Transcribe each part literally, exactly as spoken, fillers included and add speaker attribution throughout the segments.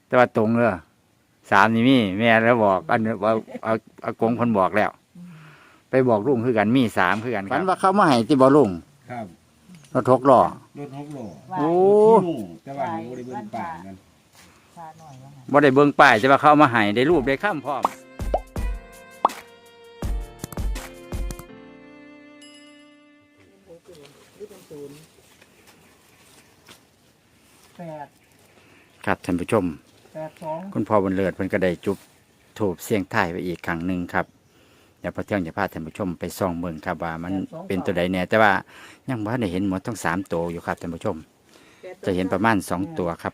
Speaker 1: แต่ว่าตรงเลยสามนี่มีแม่แล้วบอกอันว่าเอาอากงคนบอกแล้ว ไปบอกลุงคือกันมีสามคือกันฝันว่าเขามาให้ที่บ่ลุง
Speaker 2: ครับ
Speaker 1: รถทกล้อ
Speaker 2: รถหกล้อ
Speaker 1: โอ้
Speaker 2: ที่หมู่แต่ว่าหนูได้เบิ่งป่านั่น
Speaker 3: ชาหน่อยว่างั้น
Speaker 1: บ่ได้เบิ่งป้ายแต่ว่าเขาเอามาให้ได้รูปได้ข้ามพร้อม
Speaker 3: แปด
Speaker 1: ครับท่านผู้ชม
Speaker 3: แปดสอง
Speaker 1: คุณพ่อบุญเลิศเพิ่นก็ได้จุบถูบเสียงท้ายไปอีกครั้งหนึ่งครับเดี๋ยวพอเที่ยงจะพาท่านผู้ชมไปส่องเบิ่งครับว่ามันเป็นตัวใดแน่แต่ว่ายังบ่ได้เห็นหมดทั้งสามตัวอยู่ครับท่านผู้ชม จะเห็นประมาณสองตัวครับ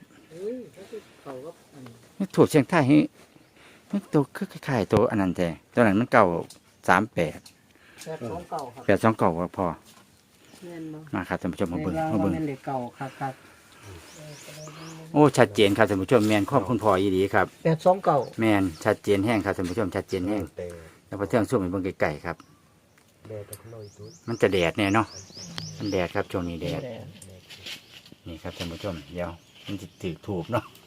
Speaker 1: นี่ถูบเสียงท้ายนี่นี่ตัวคือคล้ายๆตัวอันนั้นแต่ตัวนั้นมันเก่าสามแปด
Speaker 3: แปดสองเก่าครับ
Speaker 1: แปดสองเก่าว่าพอ
Speaker 3: แม่นบ่
Speaker 1: มาครับท่านผู้ชมมา
Speaker 3: เว
Speaker 1: เบิ่ง
Speaker 3: ลา
Speaker 1: มา
Speaker 3: ว่า
Speaker 1: เบิ่ง
Speaker 3: แม่นเหล็กเก่าครับครับ
Speaker 1: โอ้ชัดเจนครับท่านผู้ชมแมนข้อคุณพ่ออีดีครับ
Speaker 3: แปดสองเก่า
Speaker 1: แมนชัดเจนแห้งครับท่านผู้ชมชัดเจนแห้งแล้วพอเที่ยงสู้ไปเบิ่งไกลๆครับ มันจะแดดแน่เนาะมันแดดครับช่วงนี้แดดนี่ครับท่านผู้ชมเดี๋ยวมันจะถือถูกเนาะ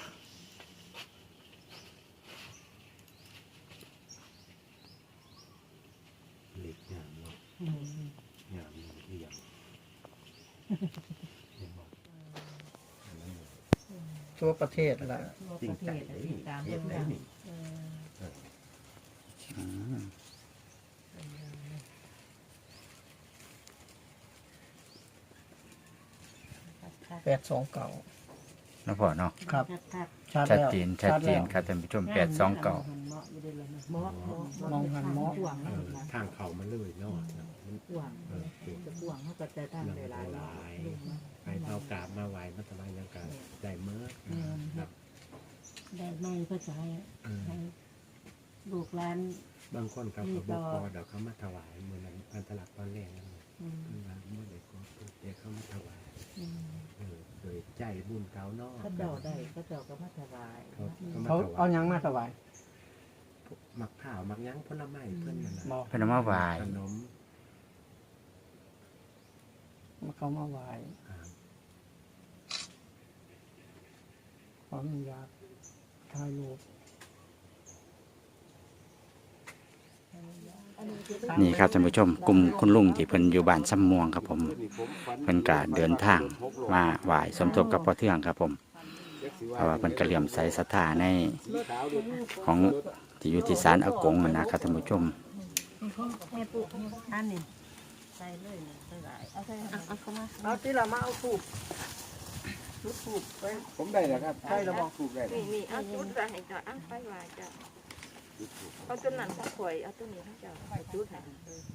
Speaker 3: ทั่วประเทศละ
Speaker 2: จริงใจเลยเฮ็ดได้นี่
Speaker 3: แปดสองเก่า
Speaker 1: แล้วพอเนาะ
Speaker 3: ครับ
Speaker 1: ชัด
Speaker 3: แล้ว
Speaker 1: เจนชัดเจน
Speaker 3: แล้ว
Speaker 1: ครับท่านผู้ชมแปดสองเก่า
Speaker 3: มองหันเหมาะ
Speaker 2: เออทางเขามันเลยเนาะมัน
Speaker 4: ห่วง
Speaker 2: เออเก็บ
Speaker 4: จะห่วงเขาก็จะตั้ง
Speaker 2: หลัง
Speaker 4: หลาย
Speaker 2: หลาย
Speaker 4: ๆ
Speaker 2: ไปเท่ากราบมาไหวมาทำไมยังกันได้เมื่อครับ
Speaker 4: ได้ไม่ก็จะให้
Speaker 2: เออ
Speaker 4: ให้ลูกหลาน
Speaker 2: บางคนเขาก็บอกพอเดี๋ยวเขามาถวายมือนั้นพันธลักษณ์ตอนแรกนั่น
Speaker 4: อืม
Speaker 2: เพิ่นว่าเมื่อเด็กก็เด็กเขามาถวาย
Speaker 4: อืม
Speaker 2: เออโดยใจบุญเขาเนาะ
Speaker 4: เขาเจ้าได้เขาเจ้าก็มาถวาย
Speaker 2: เขาเขามา
Speaker 3: เขา
Speaker 2: ถวา
Speaker 3: เอา
Speaker 2: ย
Speaker 3: หยังมาถวาย
Speaker 2: มักข้าวมักหยั้งผลไม้เพิ่นนั่นน่ะ
Speaker 3: บอก
Speaker 1: เพิ่นเอามาไหว้
Speaker 2: ขนม
Speaker 3: เขามาไหว
Speaker 2: อ่า
Speaker 3: ขออนุญาตถ่ายรูป
Speaker 1: นี่ครับท่านผู้ชมกลุ่มคุณลุงที่เพิ่นอยู่บ้านซ้ำม่วงครับผมเพิ่นก็เดินทางมาไหว้สมทบกับพ่อเทืองครับผมเพราะว่าเพิ่นก็เหลี่ยมใสศรัทธาในของที่อยู่ที่ศาลอากงนั่นนะครับท่านผู้ชม
Speaker 4: แม่ปุ๊อันนี้ใส่เลยใส่หลายเอาใส่เอาเข้ามา
Speaker 3: เอาที่เรามาเอาถูกจุดถูกไป
Speaker 2: ผมได้แล้วครับใช่แล้วบอกถูกได้
Speaker 4: นี่นี่เอาจุดใส่ให้จ้ะอ่ะไปไหวจ้ะเอาตัวนั้นถ้าข่อยเอาตัวนี้ให้จ้ะเอาจุดให้เออ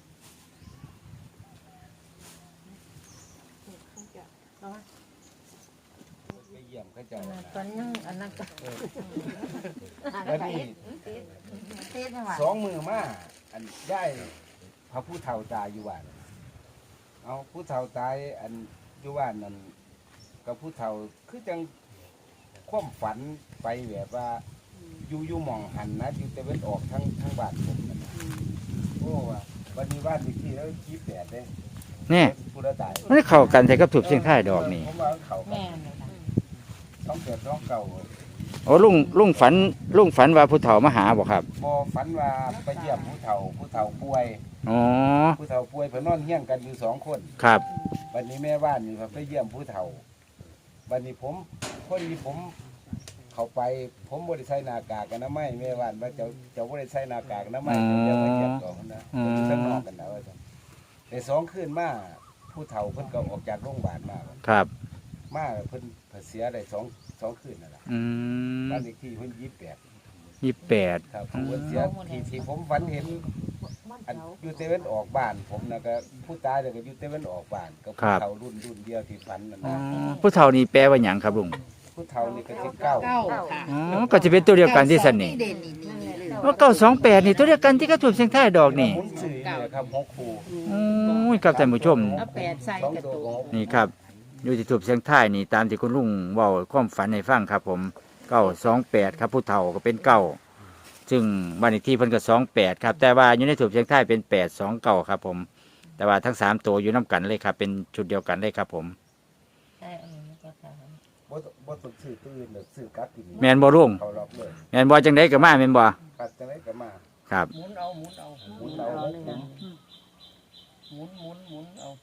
Speaker 4: นี่ให้จ้ะเอามา
Speaker 2: ไปเยี่ยมเขาเจ้า
Speaker 4: ตอนยังอันนั้นก็
Speaker 2: แล้วนี่
Speaker 4: เต้นให้หวาน
Speaker 2: สองมือมาอันได้พระผู้เฒ่าตายอยู่บ้านเอาผู้เฒ่าตายอันอยู่บ้านนั่นกับผู้เฒ่าคือจังความฝันไปแบบว่าอยู่อยู่หม่องหันนะอยู่แต่เว้นออกทั้งทั้งบ้านผมนั่นน่ะโอ้ว่าวันนี้บ้านอีกที่แล้วยี่สิบแปดเลย
Speaker 1: นี่
Speaker 2: ผู้ละตาย
Speaker 1: มันเข้ากันแต่กับถูกเสียงท้ายดอกนี่
Speaker 2: ผมว่าเขา
Speaker 4: แม่เลยนะ
Speaker 2: ต้องเกิดต้องเก่า
Speaker 1: โอ้ลุงลุงฝันลุงฝันว่าผู้เฒ่ามาหาบ่ครับ
Speaker 2: พอฝันว่าไปเยี่ยมผู้เฒ่าผู้เฒ่าป่วย
Speaker 1: อ๋อ
Speaker 2: ผู้เฒ่าป่วยเพิ่นนอนเฮี้ยงกันอยู่สองคน
Speaker 1: ครับ
Speaker 2: วันนี้แม่บ้านนี่ไปเยี่ยมผู้เฒ่าวันนี้ผมพอดีผม เข้าไปผมบ่ได้ใส่หน้ากากอนามัยแม่บ้านว่าเจ้าเจ้าบ่ได้ใส่หน้ากากอนามัยเดี๋ยวมาเยี่ยมก่อนนะเพิ่นอยู่ข้างนอกกันนะว่าซั่นแต่สองคืนมาผู้เฒ่าเพิ่นก็ออกจากโรงพยาบาลมา
Speaker 1: ครับ
Speaker 2: มาเพิ่นเสียได้สองสองคืนนั่นล่ะ
Speaker 1: อืม
Speaker 2: บ้านเลขที่เพิ่นยี่สิบแปด
Speaker 1: ยี่สิบแปด
Speaker 2: ครับผมเสียที่ที่ผมฝันเห็นอันอยู่เตเวนออกบ้าน ผมนะก็ผู้ตายเนี่ยก็อยู่เตเวนออกบ้านก็ผู้เฒ่ารุ่นรุ่นเดียวที่ฝันนั่น
Speaker 1: อ๋อ
Speaker 2: นะ
Speaker 1: ผู้เฒ่านี่แปลว่าหยังครับลุง
Speaker 2: ผู้เฒ่านี่ก็สิบเก้า
Speaker 4: เก้าค่ะ
Speaker 1: อ๋อก็จะเป็นตัวเดียวกันที่สันนี่
Speaker 4: เด่นนี่นี่เลย
Speaker 1: ว่าเก้าสองแปดนี่ตัวเดียวกันที่กระถูกเสียงท้ายดอกนี่
Speaker 2: หมุนสื่อเนี่ยครับหกคู่
Speaker 1: โอ้ยครับท่านผู้ชม
Speaker 4: เอาแปดใส่
Speaker 2: สอง
Speaker 4: กระ
Speaker 2: ตัว
Speaker 4: ตุก
Speaker 2: ของ
Speaker 1: นี่ครับอยู่ที่ถูกเสียงท้ายนี่ตามที่คุณลุงเว้าความฝันให้ฟังครับ ผมเก้าสองแปดครับผู้เฒ่าก็เป็นเก้าซึ่งบ้านเลขที่เพิ่นก็สองแปดครับแต่ว่าอยู่ในถูกเสียงท้ายเป็นแปดสองเก้าครับ ผม แต่ว่าทั้งสามตัวอยู่น้ากันเลยครับ เป็นชุดเดียวกันเลยครับ ผม
Speaker 4: ใช่เออก็ใช่
Speaker 1: อ
Speaker 2: บ่บ่ต้องซื้อตื้นเด้อซื้อกลับกิน
Speaker 1: แม่นบ่ลุง
Speaker 2: เขาล็อกเลย
Speaker 1: แม่นบ่จังได๋ก็มาแม่นบ่
Speaker 2: ครับจังได๋ก็มา
Speaker 1: ครับ
Speaker 5: หมุนเอาหมุนเอา
Speaker 2: หมุนเอาหกหมุน
Speaker 5: หมุนหมุนหมุนเอา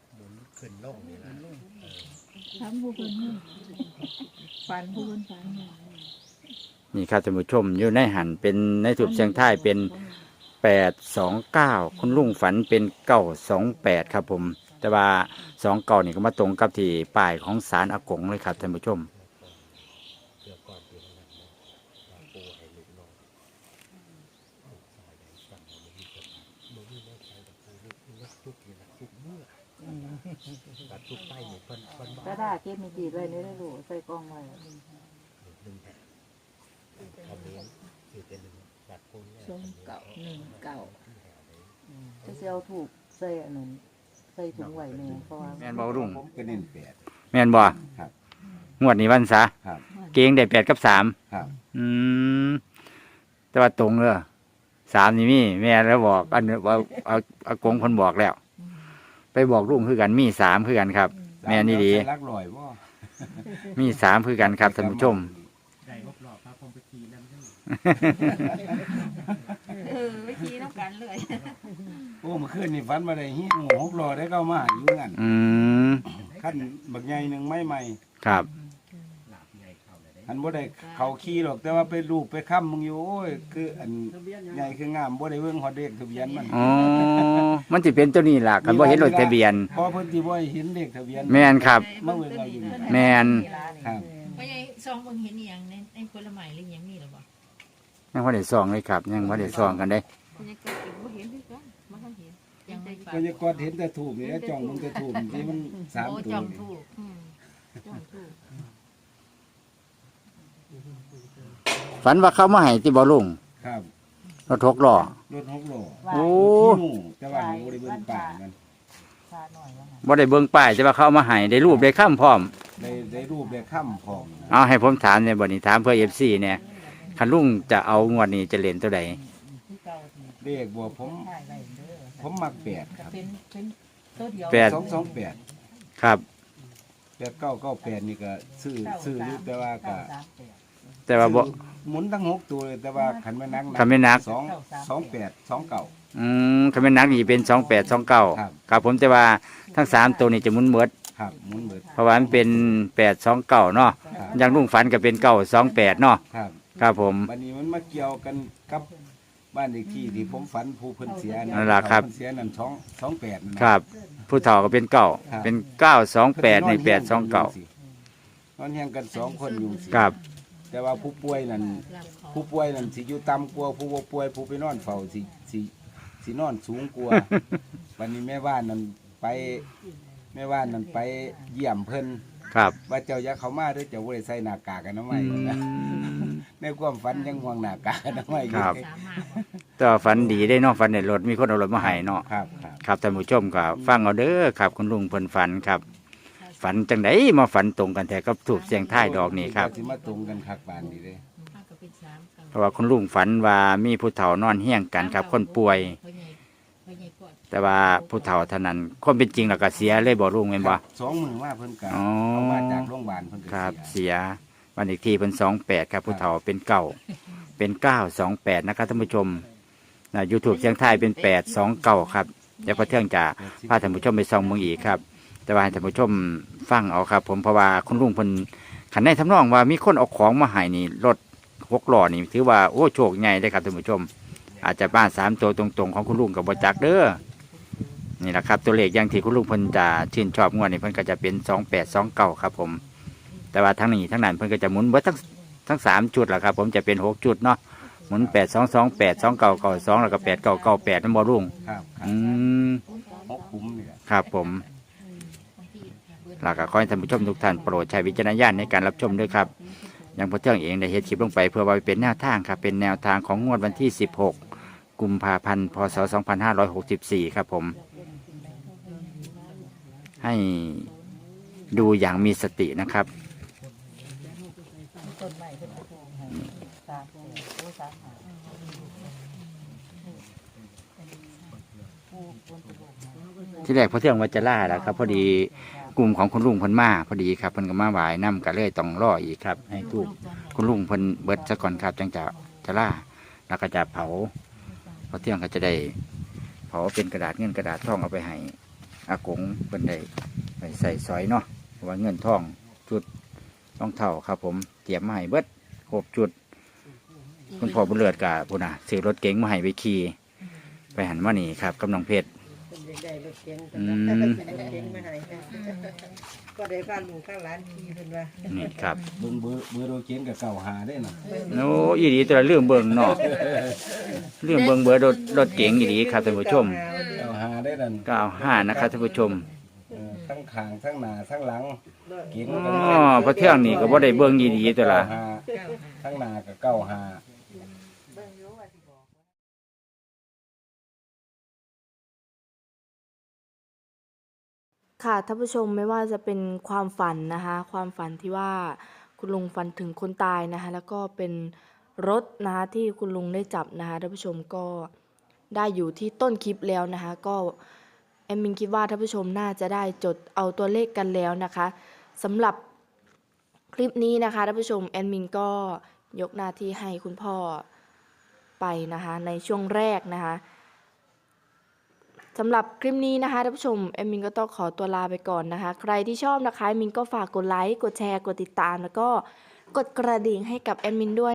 Speaker 6: ทำผู้คนนี่ฝันผู้คนฝันเนี่ย
Speaker 1: นี่ครับท่านผู้ชมอยู่ในหันเป็นในถูกเสียงท้ายเป็นแปดสองเก้าคุณลุงฝันเป็นเก้าสองแปดครับผม แต่ว่าสองเก้านี่ก็มาตรงกับที่ป้ายของศาลอากงเลยครับท่านผู้ชม
Speaker 6: ก็ได้เก็บมีจีบไว้ในได้รู้ใส่กล้องไว้ช่วงเก่าหนึ่งเก่าจะเซลถูกใส่อันนั้นใส่ถุงไหวแม่เพราะว่า
Speaker 1: แม่นบ่ลุง
Speaker 2: ผมก็เน้นแปด
Speaker 1: แม่นบ่
Speaker 2: ครับ
Speaker 1: งวดนี้วันซะ
Speaker 2: ครับ
Speaker 1: เกงได้แปดกับสาม
Speaker 2: ครับ
Speaker 1: อืมแต่ว่าตรงเลยสามนี่มีแม่แล้วบอกอันนี้ว่าเอาอากงคนบอกแล้ว ไปบอกลุงคือกันมีสามคือกันครับ แม่นี่ดี
Speaker 2: ใส่ลักลอยบ่
Speaker 1: มีสามคือกันครับท่านผู้ชม
Speaker 4: เออวิธีน้ำกันเลย
Speaker 2: โอ้เมื่อคืนนี่ฝันมาได้เฮียหมูหกล้อได้เข้ามาอยู่งั้น
Speaker 1: อืม
Speaker 2: ขั้นบักใหญ่หนึงไม้ใหม่
Speaker 1: ครับ
Speaker 2: อันบ่ได้เขาขี่หรอกแต่ว่าไปรูปไปค้ำมึงอยู่โอ้ยคืออันใหญ่คืองามบ่ได้เบิ่งฮอดเลขทะเบียนมัน
Speaker 1: อ๋อ มันสิเป็นตัวนี้ล่ะกันบ่เห็นรถทะเบียน
Speaker 2: พอเพิ่นสิบ่ให้เห็นเลขทะเบียน
Speaker 1: แม่นครับ
Speaker 2: มาเบิ่งเอาอยู่นี่
Speaker 1: แม่น
Speaker 2: ครับ
Speaker 7: ไม่ใช่ซองเบิ่งเห็นอหย่างในในผลไม้หรืออหย่างนี้หรอบ่
Speaker 1: ยังบ่ได้ซองเลยครับ ยังบ่ได้ซองกันได้
Speaker 4: คุณยังเกิดอีกบ่เห็นด้วยกันมันก็เห็น
Speaker 7: ยังไม่
Speaker 2: ก็จะกอดเห็นแต่ถูกนี่แล้วจ้องมึงแต่ถูกที่มันสาม
Speaker 7: โอ้
Speaker 2: ตัว
Speaker 7: จอง
Speaker 2: นี่
Speaker 7: ถูก
Speaker 4: อืมจ้องถูก
Speaker 1: ฝันว่าเขามาให้ที่บ่ลุง
Speaker 2: ครับ
Speaker 1: รถหกล้อ
Speaker 2: รถหกล้อ
Speaker 1: โอ้
Speaker 2: ขี้หมูแต่ว่าหนูบ่ได้เบิ่งป่ายมัน
Speaker 6: ชาหน่อยว่าไง
Speaker 1: บ่ได้เบิ่งป้ายแต่ว่าเขาเอามาให้ได้รูปได้ค้ำพร้อม
Speaker 2: ได้ได้รูปได้ค้ำพร้อม
Speaker 1: เอาให้ผมถามเนี่ยบ่นี้ถามเพื่อ เอฟ ซี เนี่ยคันลุงจะเอางวดนี้จะเล่นตัวใด
Speaker 6: ที่เก่าที่
Speaker 2: เลขบ่ผม
Speaker 6: ถ่ายไว้เด้อ
Speaker 2: ผมมักแปดครับ
Speaker 6: เป็นเป็นตัวเดียว
Speaker 1: แปด
Speaker 2: สองสองแปด
Speaker 1: ครับ
Speaker 2: แปดเก้าเก้าแปดนี่ก็ซื้อซื้ออยู่แต่ว่าก็
Speaker 6: เก้าสามแปด
Speaker 1: แต่ว่าบ่
Speaker 2: หมุนทั้งหกตัวเลยแต่ว่าขันไม่นัก
Speaker 1: คันแม่นนัก
Speaker 2: สองสองแปดสองเก่า
Speaker 1: อืมคันเป็นนักนี่เป็นสองแปดสองเก้า
Speaker 2: ครับ
Speaker 1: ครับผมแต่ว่าทั้งสามตัวนี้จะหมุนเบิด
Speaker 2: ครับหมุนเบิด
Speaker 1: เพราะว่ามันเป็นแปดสองเก้าเนาะ
Speaker 2: ครับ
Speaker 1: อย่างลุงฝันก็เป็นเก้าสองแปดเนาะ
Speaker 2: ครับ
Speaker 1: ครับผม
Speaker 2: วันนี้มันมาเกี่ยวกันกับบ้านเลขที่ที่ผมฝันผู้เพิ่นเสีย
Speaker 1: นั่นล่ะครับ
Speaker 2: เพิ่นเสียนั่นสองสองแปดนั่น
Speaker 1: ค
Speaker 2: นะ
Speaker 1: รับ ผู้เฒ่าก็เป็นเก้า
Speaker 2: ครับ
Speaker 1: เป็นเก้าสองแปดในแปดสองเก้าน
Speaker 2: อนเฮียงกันสองคนอยู่สิ
Speaker 1: ครับ
Speaker 2: แต่ว่าผู้ป่วยนั่น
Speaker 7: รับเขา
Speaker 2: ผู้ป่วยนั่นสิอยู่ต่ำกว่าผู้บ่ป่วยผู้ไปนอนเฝ้าสิสิสินอนสูงกว่า วันนี้แม่บ้านนั่นไปแม่บ้านนั่นไปเยี่ยมเพิ่น
Speaker 1: ครับ
Speaker 2: ว่าเจ้าอย่าเข้ามาเด้อเจ้าบ่ได้ใส่หน้ากากกันทำไม
Speaker 1: อืม
Speaker 2: ในความฝันยังห่วงหน้ากากกันทำไมอยู่
Speaker 1: ครับ
Speaker 7: สามารถบ่
Speaker 1: แต่ว่าฝันดีได้เนาะฝันในรถมีคนเอารถมาให้เนาะ
Speaker 2: ครับครับ
Speaker 1: ครับท่านผู้ชมก็ฟังเอาเด้อครับ คุณลุงเพิ่นฝันครับ ฝันจังไดมาฝันตรงกันแต่ก็ถูกเสียงท้ายดอกนี่ครับ
Speaker 2: สิมาตรงกันคักปานนี้เด้
Speaker 7: ถ้าก็เป็นสามเก่า
Speaker 1: เพราะว่าคุณลุงฝันว่ามีผู้เฒ่านอนเฮี้ยงกันครับ คนป่วย
Speaker 7: พ่อใหญ่พ่อใหญ่กอด
Speaker 1: แต่ว่าผู้เฒ่าเท่านั้นความเป็นจริงแล้วก็เสียเลยบ่ลุงแม่นบ่
Speaker 2: สองมือมาเพิ่นก็
Speaker 1: อ๋อ
Speaker 2: เอามาจากโรงพยาบาลเพิ่นก็
Speaker 1: ครับ
Speaker 2: เสีย
Speaker 1: เสียวันอีกทีเป็นสองแปดครับผู้เฒ่าเป็นเก้าเป็นเก้าสองแปดนะครับท่านผู้ชมนะยูทูบเสียงไทายเป็นแปดสองเก้าครับเดี๋ยวพอเที่ยงจะพาท่านผู้ชมไปส่องเมืองอีกครับ แต่ว่าให้ท่านผู้ชมฟังเอาครับ ผมเพราะว่าคุณลุงเพิ่นขันได้ทำนองว่ามีคนเอาของมาให้นี่รถหกล้อนี่ถือว่าโอ้โชคใหญ่เลยครับท่านผู้ชม อาจจะบ้านสามตัวตรงๆของคุณลุงกับบจักเด้อนี่แหละครับตัวเลขอย่างที่คุณลุงเพิ่นจะชื่นชอบงวดนี้เพิ่นก็จะเป็นสองแปดสองเก้าครับผม แต่ว่าทั้งนี้ทั้งนั้นเพิ่นก็จะหมุนเบิดทั้งทั้งสามจุดแหละครับ ผมจะเป็นหกจุดเนาะหมุนแปดสองสองแปดสองเก้าเก้าสองแล้วก็แปดเก้าเก้าแปดนั่นบ่ลุง
Speaker 2: ครับครั
Speaker 1: อื
Speaker 2: บ
Speaker 1: ม
Speaker 2: หกคุ้มนี่แหละ
Speaker 1: ครับผมหลักก็ขอให้ท่านผู้ชมทุกท่านโปรดใช้วิจารณญาณในการรับชมด้วยครับอย่างพอเที่ยงเองได้เฮ็ดคลิปลงไปเพื่อว่าไปเป็นแนวทางครับเป็นแนวทางของงวดวันที่สิบหกกุมภาพันธ์พศสองพันห้าร้อยหกสิบสี่ครับผม ให้ดูอย่างมีสตินะครับ
Speaker 6: ต้นไม้เป็นกระโปรงให้สามแปดโอ้สามหาผู้คนกระโปรงให้
Speaker 1: ที่แรกพอเที่ยงว่าจะล่าแล้วครับ พอดีกลุ่มของคุณลุงเพิ่นมาพอดีครับเพิ่นก็มาไหว้นํก็เลยต้องรออีกครับให้ทูบคุณลุงเพิ่นเบิดซะก่อนครับจังจะจะล่าแล้วก็จะเผาพอเที่ยงก็จะได้เผาเป็นกระดาษเงินกระดาษทองเอาไปให้อากงเพิ่นได้ไปใส่ซอยเนาะเพราะว่าเงินทองจุดรองเท้าครับผมเตรียมมาให้เบิดครบจุดคุณพ่อบุญเลิศกับพุ่นน่ะซื้อรถเก๋งมาให้ไปขี่ไปหันมานี่ครับกับน้องเพชร
Speaker 5: ได้รถเก๋ง
Speaker 1: อืม
Speaker 5: รถเก๋งมาให้ก็ได้พาลุงข้างร้านขี่เพิ่นว่า
Speaker 1: นี่ครับ
Speaker 2: เบิ่งเบอร์เบอร์โรเกนกับเก่าหาได้น่ะ
Speaker 1: โอ้อีดีตัวละเรื่องเบิ่งเนาะเรื่องเบิ่งเบอร์รถรถเก๋งอีดีครับท่านผู้ชม
Speaker 2: เก่าหาได้นั่น
Speaker 1: เก้าห้านะครับท่านผู้ชม
Speaker 2: เออทั้งข้างทั้งหน้าทั้งหลังเก๋ง
Speaker 1: อ๋อพระเที่ยงนี่ก็บ่ได้เบิ่งอีดีตัวละ
Speaker 2: เก้าหาทั้งหน้ากับเก้าหา
Speaker 8: ค่ะท่านผู้ชมไม่ว่าจะเป็นความฝันนะคะ ความฝันที่ว่าคุณลุงฝันถึงคนตายนะคะ แล้วก็เป็นรถนะคะที่คุณลุงได้จับนะคะท่านผู้ชมก็ได้อยู่ที่ต้นคลิปแล้วนะคะ ก็แอมมินคิดว่าท่านผู้ชมน่าจะได้จดเอาตัวเลขกันแล้วนะคะสำหรับคลิปนี้นะคะท่านผู้ชมแอดมินก็ยกหน้าที่ให้คุณพ่อไปนะคะในช่วงแรกนะคะสำหรับคลิปนี้นะคะท่านผู้ชมแอดมินก็ต้องขอตัวลาไปก่อนนะคะ ใครที่ชอบนะคะแอดมินก็ฝากกดไลค์กดแชร์กดติดตามแล้วก็กดกระดิ่งให้กับแอดมินด้วย